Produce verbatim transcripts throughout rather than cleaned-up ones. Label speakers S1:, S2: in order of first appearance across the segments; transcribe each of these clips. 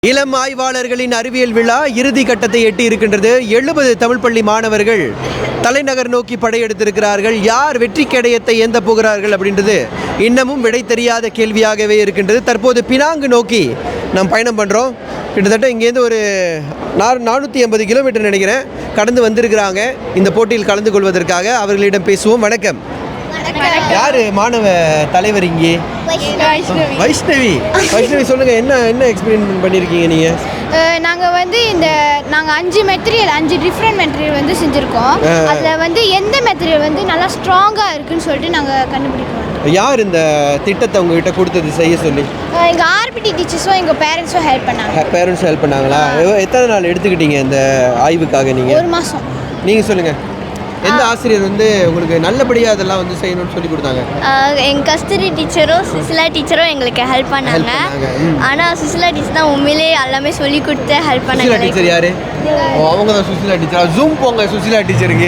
S1: இளம் ஆய்வாளர்களின் அறிவியல் விழா இறுதி கட்டத்தை எட்டி இருக்கின்றது. எழுபது தமிழ் பள்ளி மாணவர்கள் தலைநகர் நோக்கி படையெடுத்திருக்கிறார்கள். யார் வெற்றி கேடயத்தை ஏந்த போகிறார்கள் அப்படின்றது இன்னமும் விடை தெரியாத கேள்வியாகவே இருக்கின்றது. தற்போது பினாங்கு நோக்கி நாம் பயணம் பண்ணுறோம். கிட்டத்தட்ட இங்கேருந்து ஒரு நானூற்றி ஐம்பது கிலோமீட்டர் நினைக்கிறேன் கடந்து வந்திருக்கிறாங்க இந்த போட்டியில் கலந்து கொள்வதற்காக. அவர்களிடம் பேசுவோம். வணக்கம். யாரு மாணவ தலைவர் இங்கே? வைஷ்ணவி. வைஷ்ணவி சொல்லுங்க, என்ன என்ன எக்ஸ்பீரியன்ஸ் பண்ணியிருக்கீங்க நீங்க?
S2: நாங்கள் வந்து இந்த நாங்கள் அஞ்சு மெட்டீரியல் அஞ்சு டிஃப்ரெண்ட் மெட்டீரியல் வந்து செஞ்சுருக்கோம். அதில் வந்து எந்த மெட்டீரியல் வந்து நல்லா ஸ்ட்ராங்காக இருக்குன்னு சொல்லிட்டு நாங்கள் கண்டுபிடிக்கிறோம்.
S1: யார் இந்த திட்டத்தை உங்ககிட்ட கொடுத்தது செய்ய சொல்லி?
S2: எங்கள் ஆர்பிடி டீச்சர்ஸும் எங்கள் பேரண்ட்ஸும் ஹெல்ப் பண்ணாங்க.
S1: பேரண்ட்ஸும் ஹெல்ப் பண்ணாங்களா? எத்தனை நாள் எடுத்துக்கிட்டீங்க இந்த ஆய்வுக்காக நீங்கள்?
S2: ஒரு மாதம்.
S1: நீங்கள் சொல்லுங்கள், எந்த ஆசிரியர் வந்து உங்களுக்கு நல்லபடியாக அதெல்லாம் வந்து செய்யணும்னு சொல்லி கொடுத்தாங்க?
S3: எங்கள் கஸ்தூரி டீச்சரும் சுசிலா டீச்சரும் எங்களுக்கு ஹெல்ப் பண்ணாங்க. ஆனால் சுசிலா டீச்சர் தான் உண்மையிலே எல்லாமே சொல்லி கொடுத்து ஹெல்ப் பண்ணாங்க.
S1: சுசிலா டீச்சர் யாரு? அவங்க தான் சுசிலா டீச்சர். ஜூம் போங்க சுசிலா டீச்சருக்கு.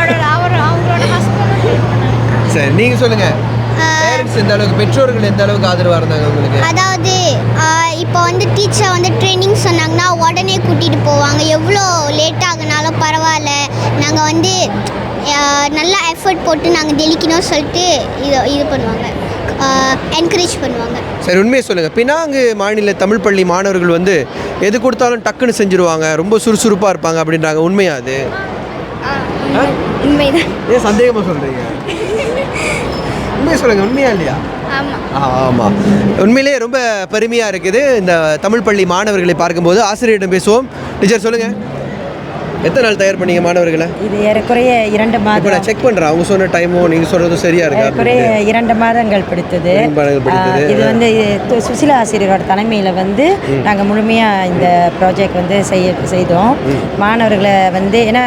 S1: சரி, நீங்கள் சொல்லுங்கள், பேரண்ட்ஸ் எந்த அளவுக்கு, பெற்றோர்கள் எந்த அளவுக்கு ஆதரவாக இருந்தாங்க உங்களுக்கு?
S4: அதாவது இப்போ வந்து டீச்சர் வந்து ட்ரைனிங் சொன்னாங்கன்னா உடனே கூட்டிகிட்டு போவாங்க. எவ்வளோ லேட் ஆகுனாலும் பரவாயில்ல, நாங்கள் வந்து நல்லா எஃபர்ட் போட்டு நாங்கள் தெளிக்கணும்னு சொல்லிட்டு இது இது பண்ணுவாங்க, என்கரேஜ் பண்ணுவாங்க.
S1: சரி, உண்மையை சொல்லுங்கள், பினாங்கு மாநில தமிழ் பள்ளி மாணவர்கள் வந்து எது கொடுத்தாலும் டக்குன்னு செஞ்சுருவாங்க, ரொம்ப சுறுசுறுப்பாக இருப்பாங்க அப்படின்றாங்க. உண்மையா அது?
S3: உண்மைதான்.
S1: ஏன் சந்தேகமாக சொல்கிறீங்க? உண்மையை சொல்லுங்கள், உண்மையா இல்லையா? ஆமாம், உண்மையிலேயே ரொம்ப பெருமையாக இருக்குது இந்த தமிழ் பள்ளி மாணவர்களை பார்க்கும்போது. ஆசிரியரிடம் பேசுவோம். டீச்சர் சொல்லுங்கள், எத்தனை நாள் தயார் பண்ணீங்க மாணவர்களை?
S5: இது ஏறக்குறைய இரண்டு மாதம்.
S1: இப்போ நான் செக் பண்ணுறேன், அவங்க சொன்ன டைமும் நீங்கள் சொல்கிறதும் சரியா இருக்கா?
S5: ஏறக்குறைய இரண்டு மாதங்கள் பிடித்தது. இது வந்து சுசிலா ஆசிரியரோட தலைமையில் வந்து நாங்கள் முழுமையாக இந்த ப்ராஜெக்ட் வந்து செய்ய செய்தோம். மாணவர்களை வந்து ஏன்னா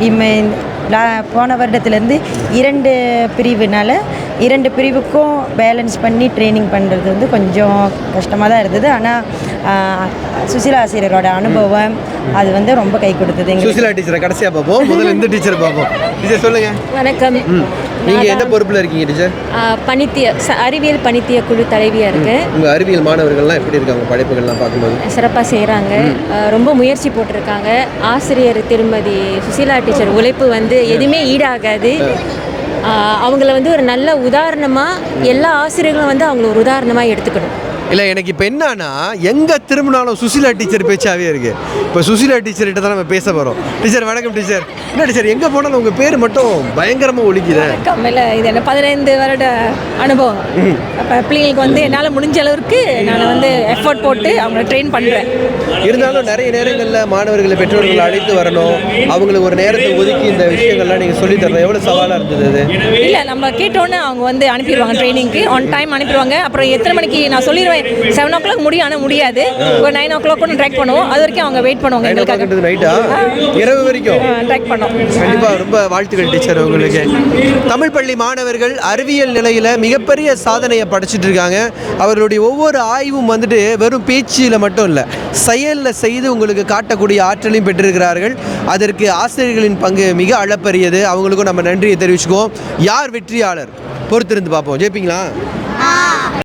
S5: போன வருடத்துலேருந்து இரண்டு பிரிவுனால இரண்டு பிரிவுக்கும் பேலன்ஸ் பண்ணி ட்ரைனிங் பண்ணுறது வந்து கொஞ்சம் கஷ்டமாக தான் இருந்தது. ஆனால் சுசிலா ஆசிரியரோட அனுபவம் அது வந்து ரொம்ப கை கொடுத்தது.
S1: சுசிலா டீச்சரை கடைசியாக பார்ப்போம், முதல்ல இந்த டீச்சர் பார்ப்போம். டீச்சர் சொல்லுங்கள்.
S6: வணக்கம்.
S1: நீங்கள் எந்த பொறுப்பில் இருக்கீங்க டீச்சர்?
S6: பணித்திய அறிவியல் பணித்திய குழு தலைவியாக இருக்குது.
S1: உங்கள் அறிவியல் மாணவர்கள்லாம் எப்படி இருக்காங்க? படைப்புகள்லாம் பார்க்கும்போது
S6: சிறப்பாக செய்கிறாங்க, ரொம்ப முயற்சி போட்டிருக்காங்க. ஆசிரியர் திருமதி சுசிலா டீச்சர் உழைப்பு வந்து எதுவுமே ஈடாகாது. அவங்கள வந்து ஒரு நல்ல உதாரணமாக எல்லா ஆசிரியர்களும் வந்து அவங்கள ஒரு உதாரணமாக எடுத்துக்கணும்.
S1: இல்லை, எனக்கு இப்போ என்னன்னா எங்கே திரும்பினாலும் சுசிலா டீச்சர் பேச்சாவே இருக்குது. இப்போ சுசிலா டீச்சர்கிட்ட தான் நம்ம பேச போகிறோம். டீச்சர் வணக்கம். டீச்சர் என்ன டீச்சர், எங்கே போனாலும் உங்கள் பேர் மட்டும் பயங்கரமாக ஒழிக்குது.
S6: கம்மியில் இது என்ன பதினைந்து வருட அனுபவம். அப்போ பிள்ளைங்களுக்கு வந்து என்னால் முடிஞ்ச அளவுக்கு நான் வந்து எஃபோர்ட் போட்டு அவங்கள ட்ரெயின் பண்ணுறேன்.
S1: இருந்தாலும் நிறைய நேரங்களில் மாணவர்களை பெற்றோர்கள் அழைத்து வரணும், அவங்களுக்கு ஒரு நேரத்தை ஒதுக்கி இந்த விஷயங்கள்லாம் நீங்கள் சொல்லித் தரணும். எவ்வளோ சவாலாக இருந்தது அது?
S6: இல்லை, நம்ம கேட்டோன்னே அவங்க வந்து அனுப்பிடுவாங்க, ட்ரைனிங்க்கு ஆன் டைம் அனுப்பிடுவாங்க. அப்புறம் எத்தனை மணிக்கு நான் சொல்லிடுவேன், செவன் ஓ கிளாக் முடியும், ஆனால் முடியாது, ஒரு நைன் ஓ கிளாக் கூட ட்ராக் பண்ணுவோம். அது வரைக்கும் அவங்க வெயிட் பண்ணுவாங்க எங்களுக்காக.
S1: நைட்டா இரவு வரைக்கும்
S6: ட்ராக் பண்ணோம்.
S1: கண்டிப்பாக ரொம்ப வாழ்த்துக்கள் டீச்சர் உங்களுக்கு. தமிழ் பள்ளி மாணவர்கள் அறிவியல் நிலையில் மிகப்பெரிய சாதனையை படைச்சிட்டு இருக்காங்க. அவர்களுடைய ஒவ்வொரு ஆய்வும் வந்துட்டு வெறும் பேச்சில் மட்டும் இல்லை, செயலில் செய்து உங்களுக்கு காட்டக்கூடிய ஆற்றலையும் பெற்றிருக்கிறார்கள். அதற்கு ஆசிரியர்களின் பங்கு மிக அளப்பரியது. அவங்களுக்கும் நம்ம நன்றியை தெரிவிச்சுக்குவோம். யார் வெற்றியாளர் பொறுத்திருந்து பார்ப்போம். ஜெயிப்பீங்களா?